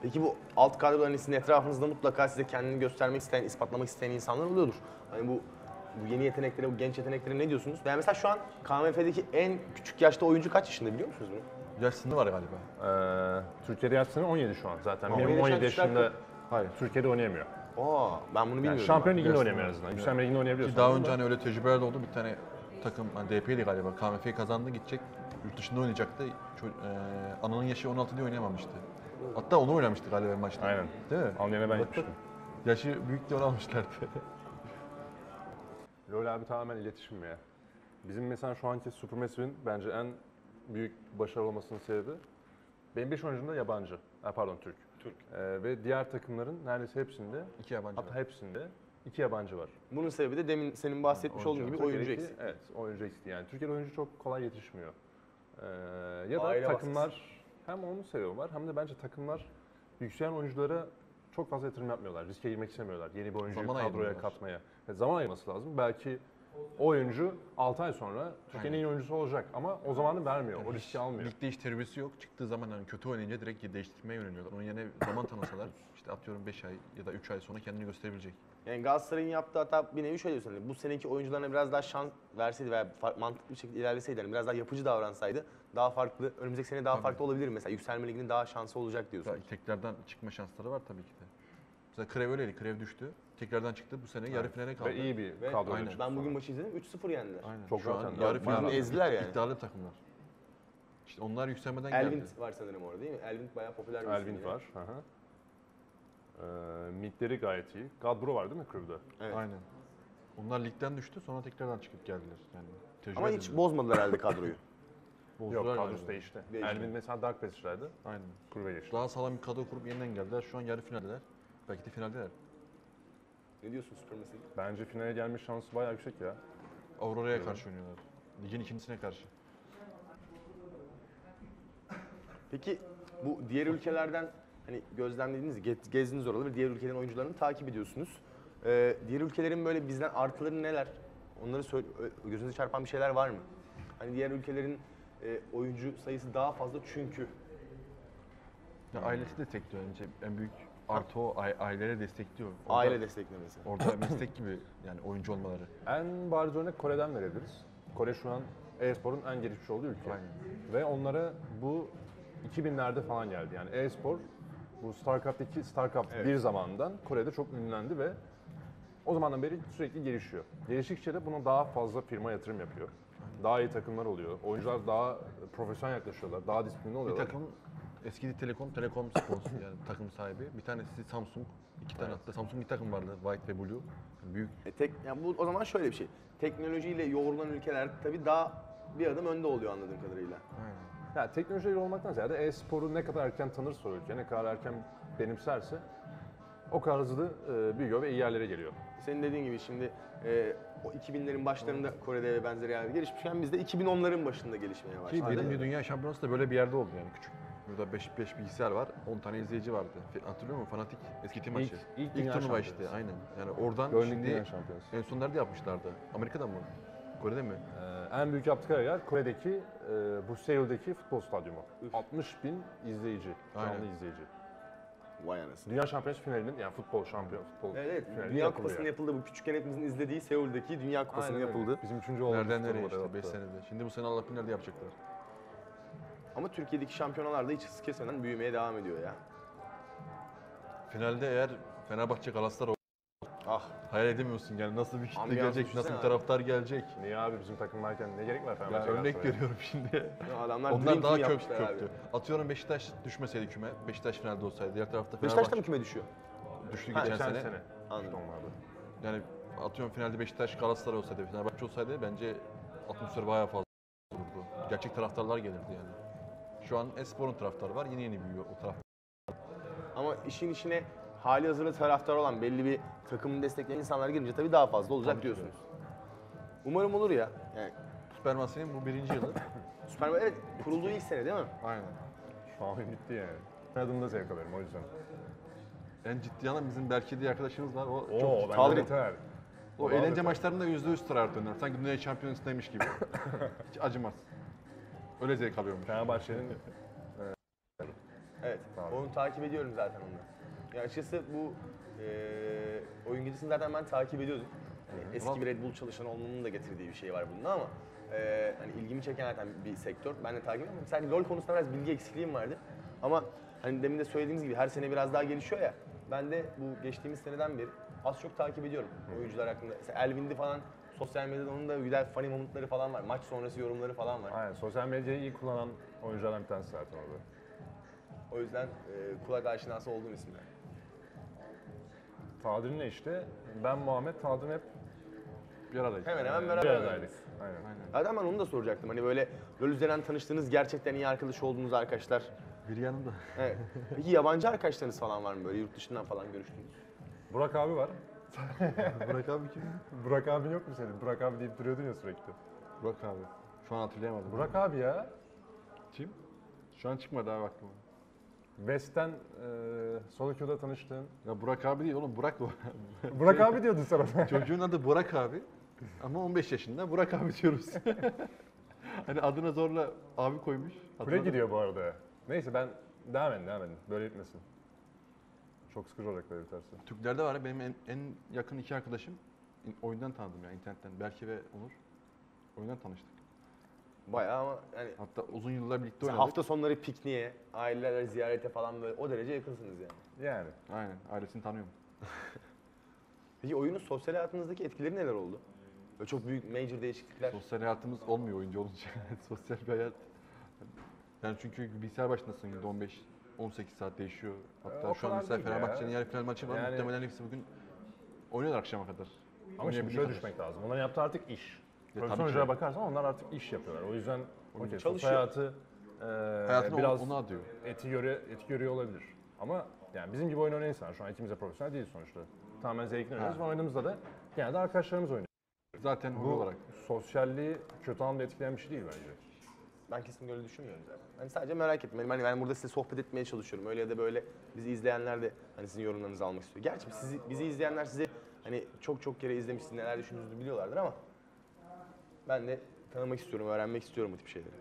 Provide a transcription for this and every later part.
Peki bu alt kadroların sizin etrafınızda mutlaka size kendini göstermek isteyen, ispatlamak isteyen insanlar oluyordur. Hani bu yeni yeteneklere, bu genç yeteneklere ne diyorsunuz? Yani mesela şu an KMF'deki en küçük yaşta oyuncu kaç yaşında biliyor musunuz bunu? Yaş sınırı var galiba. Türkiye'de yaş sınırı 17 şu an zaten. 17 Benim 17 yaşında- yaşında Hayır. Türkiye'de oynayamıyor. Aa, ben bunu bilmiyordum. Şampiyon liginde Yaş oynayamıyor en sınırı. azından. Yükselme liginde Ki oynayabiliyorsun. daha ama önce hani öyle tecrübeler de oldu. Bir tane takım, hani DP'li galiba, KMF'yi kazandı, gidecek, yurt dışında oynayacaktı. Ananın yaşı 16 diye oynayamamıştı. Hatta onu oynamıştı galiba maçta. Aynen. Değil mi? Almanya'ya ben Bak, gitmiştim. Yaşı büyük diye onu almışlardı. LoL abi tamamen iletişim ya. Bizim mesela şu anki Supermassive'in bence en büyük başarılı olmasının sebebi benim 5 oyuncum da yabancı. Pardon Türk. Ve diğer takımların neredeyse hepsinde, İki yabancı hatta var. hepsinde 2 yabancı var. Bunun sebebi de demin senin bahsetmiş olduğun gibi oyuncu Türkiye'deki- eksik. Evet, oyuncu eksikliği. Yani Türkiye'de oyuncu çok kolay yetişmiyor. Ya da Aile takımlar hem onu seviyorlar hem de bence takımlar yükselen oyunculara çok fazla yatırım yapmıyorlar. Riske girmek istemiyorlar. Yeni bir oyuncuyu Zaman kadroya ayırmıyorlar. katmaya. Zaman ayırması lazım. Belki o oyuncu 6 ay sonra Türkiye'nin en iyi oyuncusu olacak ama o zamanı vermiyor. O riski almıyor. Ligde hiç tecrübesi yok. Çıktığı zaman hani kötü oynayınca direkt değiştirmeye yöneliyorlar. Onun yerine zaman tanısalar, işte atıyorum 5 ay ya da 3 ay sonra kendini gösterebilecek. Yani Galatasaray'ın yaptığı hata bir nevi şöyle diyorsun. Hani bu seneki oyuncularına biraz daha şans verseydi veya mantıklı bir şekilde ilerleseydi, hani biraz daha yapıcı davransaydı daha farklı, önümüzdeki sene daha Tabii. farklı olabilir mesela. Yükselme liginin daha şansı olacak diyorsun. Tekrardan çıkma şansları var tabii ki de. Mesela Krev öyleydi. Krev düştü. Tekrardan çıktı. Bu sene yarı finale kaldı. Ve iyi bir Ve kadroyla aynen. çıktı Ben bugün sonra. maçı izledim, 3-0 yendiler. Aynen. Çok Şu rahat an yani. yarı Bayağı finalde ezdiler yani. iddialı takımlar. İşte onlar yükselmeden Elvind geldi. var sanırım orada değil mi? Elvind bayağı popüler bir isim Elvind yine. var. Midleri gayet iyi. Gadbro var değil mi Kriv'de? Evet. Aynen. Onlar ligden düştü, sonra tekrardan çıkıp geldiler. Yani tecrübe Ama hiç edindiler. bozmadılar herhalde kadroyu. Yok, Bozdular kadrosu galiba. değişti. Değişti. Elvind mesela Dark Passage'daydı. Aynen. Kriv'e geçti. Daha sağlam bir kadro kurup yeniden geldiler. Şu an yarı finaldeler. Belki de finaldeler. Ne diyorsun Supermassive? Bence finale gelme şansı bayağı yüksek ya. Aurora'ya karşı oynuyorlar. Ligin ikincisine karşı. Peki bu diğer ülkelerden hani gözlemlediğiniz, gezdiğiniz oraları diğer ülkelerin oyuncularını takip ediyorsunuz. Diğer ülkelerin böyle bizden artıları neler? Onları gözünüze çarpan bir şeyler var mı? Hani diğer ülkelerin oyuncu sayısı daha fazla çünkü. Ya ailesi destekliyor önce. En büyük artı o ailelere destekliyor. Aile desteklemesi. Orada meslek gibi yani oyuncu olmaları. En bariz örnek Kore'den verebiliriz. Kore şu an e-sporun en gelişmiş olduğu ülke. Aynen. Ve onlara bu 2000'lerde falan geldi. Yani e-spor bu StarCraft'taki StarCraft Evet. 1 zamanından Kore'de çok ünlendi ve o zamandan beri sürekli gelişiyor. Geliştikçe de buna daha fazla firma yatırım yapıyor. Daha iyi takımlar oluyor. Oyuncular daha profesyonel yaklaşıyorlar. Daha disiplinli Bir oluyorlar. takım eski Telekom sponsor yani takım sahibi. Bir tanesi Samsung. İki tane hatta Samsung bir takım vardı. White ve Blue. Büyük. Yani bu o zaman şöyle bir şey. Teknolojiyle yoğrulan ülkeler tabii daha bir adım önde oluyor anladığım kadarıyla. Aynen. Ya teknolojiyle olmaktan ziyade e-sporu ne kadar erken tanırsa o ülke, ne kadar erken benimserse o kadar hızlı büyüyor ve iyi yerlere geliyor. Senin dediğin gibi şimdi o 2000'lerin başlarında Kore'de ve benzeri yerlerde gelişmişken biz de 2010'ların başında gelişmeye Ki başladık. birinci dünya şampiyonası da böyle bir yerde oldu yani küçük. Burada 5 bilgisayar var, 10 tane izleyici vardı. Hatırlıyor musun? Fanatik eski tim maçı. ilk dünya turnuva işte, şampiyonası. aynen. Yani oradan Gönlük şimdi dünya şampiyonası. en son nerede yapmışlardı? Amerika'da mı? Kore'de mi? En büyük yaptıkları yer Kore'deki bu Seul'deki futbol stadyumu. 60 bin izleyici, canlı Aynen. izleyici. Vay anasını. Dünya şampiyonası finalinin yani futbol futbol Evet, finali Dünya yapılıyor. Kupası'nın yapıldığı bu küçükken hepimizin izlediği Seul'deki Dünya Kupası'nın Aynen öyle. yapıldığı. Bizim üçüncü olduğumuz Nereden nereye turnuvada işte 5 yaptı. senede. Şimdi bu sene Allah bilir nerede yapacaklar. Ama Türkiye'deki şampiyonalar da hiç hız kesmeden büyümeye devam ediyor ya. Finalde eğer Fenerbahçe Galatasaray Ah, hayal edemiyorsun yani nasıl bir kitle Ambiyansı gelecek, düşünsene nasıl bir abi. taraftar gelecek. Niye abi bizim takım varken ne gerek var Ya Fenerbahçe örnek Galatasaray'a? görüyorum şimdi. adamlar Onlar Dream daha Team kök yapmışlar abi. köktü. Atıyorum Beşiktaş düşmeseydi küme, Beşiktaş finalde olsaydı, diğer tarafta Beşiktaş da Fenerbahçe mı küme düşüyor? düştü Ha, geçen sene. Anladım. İşte onlardı. Yani atıyorum finalde Beşiktaş Galatasaray olsaydı, Fenerbahçe olsaydı bence atmosfer bayağı fazla olurdu. Gerçek taraftarlar gelirdi yani. Şu an Espor'un taraftarı var, yeni büyüyor o taraf. Ama işin içine hali hazırda taraftar olan belli bir takımın destekleyen insanlar girince tabii daha fazla olacak Tabii ki diyorsunuz. Umarım olur ya. Yani Supermassive'nin bu 1. yılı. Süper evet kurulduğu ilk sene değil mi? Aynen. Şu an bitti yani. Adımda zevk alıyorum o yüzden. En ciddi yandan bizim Berke diye arkadaşımız var. O Oo, çok ben Kaldırın. de yeter. o eğlence maçlarında %100 tutar döner. Sanki dünya şampiyonasındaymış gibi. Hiç acımaz. Öyle zevk alıyormuş. Fenerbahçe'nin Evet, Tamam. onu takip ediyorum zaten onu. Ya açıkçası bu oyun gecesini zaten ben takip ediyordum. Hani eski bir Red Bull çalışanı olmanın da getirdiği bir şey var bunda ama hani ilgimi çeken zaten bir sektör. Ben de takip ediyorum. Sadece LoL konusunda biraz bilgi eksikliğim vardı. Ama hani demin de söylediğimiz gibi her sene biraz daha gelişiyor ya. Ben de bu geçtiğimiz seneden beri az çok takip ediyorum oyuncular hakkında. Mesela Elvin'di falan sosyal medyada onun da güzel funny momentları falan var. Maç sonrası yorumları falan var. Aynen, sosyal medyayı iyi kullanan oyunculardan bir tanesi zaten orada. O yüzden kulak aşinası olduğum isimler. Tadil'le işte ben Muhammed Tadil hep Bir aradayız. Hemen hemen bir beraber aradaydık. Aynen. Zaten ben onu da soracaktım. Hani böyle LoL üzerinden tanıştığınız, gerçekten iyi arkadaş olduğunuz arkadaşlar. Biri yanında. Evet. Peki yabancı arkadaşlarınız falan var mı böyle yurt dışından falan görüştüğünüz? Burak abi var. Burak abi kim? Burak abin yok mu senin? Burak abi deyip duruyordun ya sürekli. Burak abi. Şu an hatırlayamadım. Burak abi ya. Kim? Şu an çıkmadı abi aklıma. West'ten Solo Queue'da tanıştığın. Ya Burak abi değil oğlum, Burak bu. Burak abi diyordun sen ona. Çocuğun adı Burak abi. Ama 15 yaşında Burak abi diyoruz. Hani adına zorla abi koymuş. Kule gidiyor bu arada. Neyse ben devam edin. Böyle gitmesin. Çok sıkıcı olacak böyle biterse. Türklerde var ya, benim en yakın iki arkadaşım oyundan tanıdım ya, internetten. Berke ve Onur. Oyundan tanıştık. Bayağı ama yani Hatta uzun yıllar birlikte mesela oynadık. hafta sonları pikniğe, ailelerle ziyarete falan böyle o derece yakınsınız yani. Yani. Aynen, ailesini tanıyorum. Peki oyunun sosyal hayatınızdaki etkileri neler oldu? Böyle çok büyük major değişiklikler. Sosyal hayatımız olmuyor oyuncu olunca. Sosyal bir hayat. Yani çünkü bilgisayar başındasın günde 18 saat değişiyor. Hatta O şu an kadar mesela değil ya. Fenerbahçe'nin yarı final maçı var. Yani- Muhtemelen hepsi bugün oynuyorlar akşama kadar. Ama şimdi Oynayabildiği şöyle kadar. düşmek lazım. Onların yaptığı artık iş. tabii Profesyonel ki. oyunculara bakarsan onlar artık iş yapıyorlar. O yüzden okey, sosyal çalışıyor. hayatı Hayatını biraz onu adıyor. eti görüyor olabilir. Ama yani bizim gibi oyun oynayan insanlar, şu an ikimiz de profesyonel değiliz sonuçta. Tamamen zevkini oynuyoruz ve oynadığımızda da genelde arkadaşlarımız oynuyor. Zaten hobi Bu olarak. sosyalliği kötü anlamda etkileyen bir şey değil bence. Ben kesinlikle öyle düşünmüyorum zaten. Hani sadece merak ettim. Hani ben burada size sohbet etmeye çalışıyorum. Öyle ya da böyle bizi izleyenler de hani sizin yorumlarınızı almak istiyor. Gerçi bizi izleyenler sizi hani çok kere izlemiş, siz neler düşündüğünüzü biliyorlardır ama ben de tanımak istiyorum, öğrenmek istiyorum bu tip şeyleri.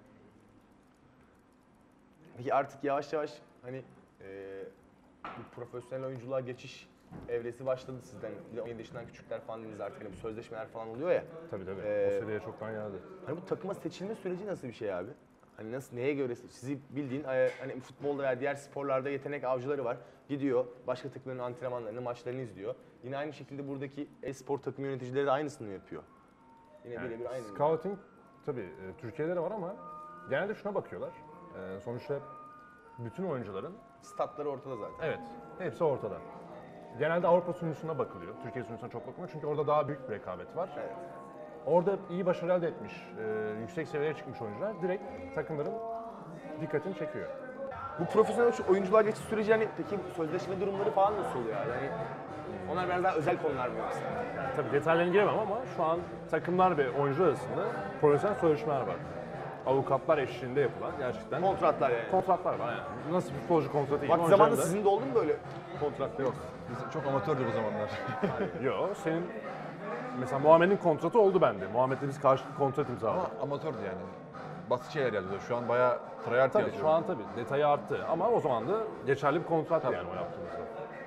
Peki artık yavaş yavaş hani bu profesyonel oyunculuğa geçiş evresi başladı sizden. Bir de 17 yaşından küçükler falan dediniz artık hani bu sözleşmeler falan oluyor ya. Tabii. Ee, O seviyeye çoktan geldi. Hani bu takıma seçilme süreci nasıl bir şey abi? Hani nasıl, neye göre sizi bildiğin hani futbolda veya diğer sporlarda yetenek avcıları var. Gidiyor başka takımların antrenmanlarını, maçlarını izliyor. Yine aynı şekilde buradaki e-spor takım yöneticileri de aynısını mı yapıyor? Yine Yani birebir aynı. scouting tabii Türkiye'de de var ama genelde şuna bakıyorlar. Sonuçta bütün oyuncuların Statları ortada zaten. evet hepsi ortada. Genelde Avrupa sunucusuna bakılıyor. Türkiye sunucusuna çok bakılmıyor çünkü orada daha büyük bir rekabet var. Evet. Orada iyi başarı elde etmiş, yüksek seviyeye çıkmış oyuncular direkt takımların dikkatini çekiyor. Bu profesyonel oyunculuğa geçiş süreci hani peki sözleşme durumları falan nasıl oluyor abi? Hani onlar biraz daha özel konular mı yoksa? Tabii detaylarına giremem ama şu an takımlar ve oyuncular arasında profesyonel sözleşmeler var. Avukatlar eşliğinde yapılan gerçekten Kontratlar yani. kontratlar var yani. Nasıl bir futbolcu kontratı gibi Vakti zamanında oyuncuların da- sizin de oldu mu böyle kontratlar? Yok. Biz çok amatördük o zamanlar. Yok, senin mesela Muhammed'in kontratı oldu bende. Muhammed'le biz karşılıklı kontrat imzaladık. Ama amatördü yani. Basit şeyler yazıyor. Şu an bayağı tryhard Tabii yazıyor. şu an tabii detayı arttı ama o zaman da geçerli bir kontrattı yani o yaptığımızda.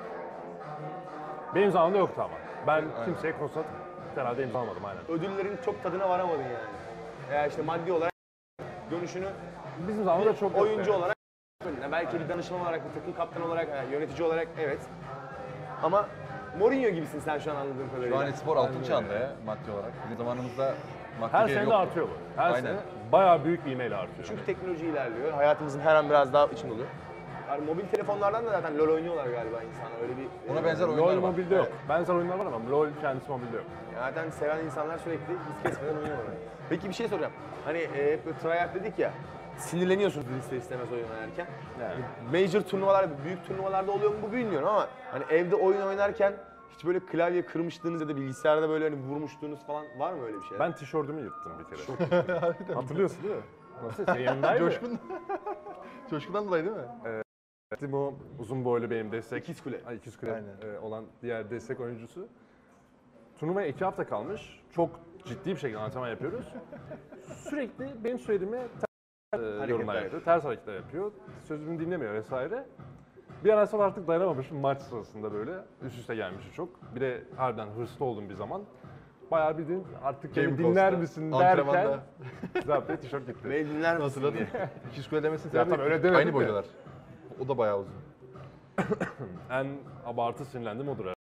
Benim zamanımda yoktu ama. Ben kimseye kontrat herhalde imzalamadım aynen. Ödüllerin çok tadına varamadın yani. Veya işte maddi olarak dönüşünü Bizim zamanımızda çok yoktu oyuncu yani. olarak belki bir danışman olarak, bir takım kaptanı olarak, yani yönetici olarak evet. Ama Mourinho gibisin sen şu an anladığım kadarıyla. Şu an spor altın çağında ya maddi olarak. Bizim zamanımızda maddi Her değeri sene de yoktu. artıyor bu. Her Aynen. sene bayağı büyük bir ivmeyle artıyor. Çünkü teknoloji ilerliyor. Hayatımızın her an biraz daha içinde oluyor. Yani mobil telefonlardan da zaten LoL oynuyorlar galiba insanlar. Öyle bir Ona benzer oyunlar LoL var. mobilde yok. Benzer oyunlar var ama LoL kendisi mobilde yok. Zaten seven insanlar sürekli biz kesmeden oynuyorlar. Peki bir şey soracağım. Hani hep böyle tryhard dedik ya. Sinirleniyorsunuz ister istemez oyun oynarken. Yani. Major turnuvalar, büyük turnuvalarda oluyor mu bu bilmiyorum ama hani evde oyun oynarken hiç böyle klavye kırmışlığınız ya da bilgisayarda böyle hani vurmuşluğunuz falan var mı öyle bir şey? Ben tişörtümü yırttım bir kere. Hatırlıyorsun değil mi? Nasıl? Senin yanındaydı. Coşkun. Coşkundan dolayı değil mi? Bu uzun boylu benim destek. İkiz Kule. Ay, İkiz Kule Aynen. olan diğer destek oyuncusu. Turnuvaya 2 hafta kalmış. Çok ciddi bir şekilde antrenman yapıyoruz. Sürekli benim söylediğime yorumlar yapıyor, ters hareketler yapıyor, sözümü dinlemiyor vesaire. Bir ara sonra artık dayanamamışım maç sırasında böyle üst üste gelmişti çok. Bir de harbiden hırslı olduğum bir zaman. Bayağı bildiğin artık beni dinler misin derken Antrenmanda. zaten tişört gitti. Beni dinler misin Hatırladın diye. mı? 200 kilo demesinin Ya sebebi tabii öyle demedim aynı de. boydalar. O da bayağı uzun. En abartı sinirlendim odur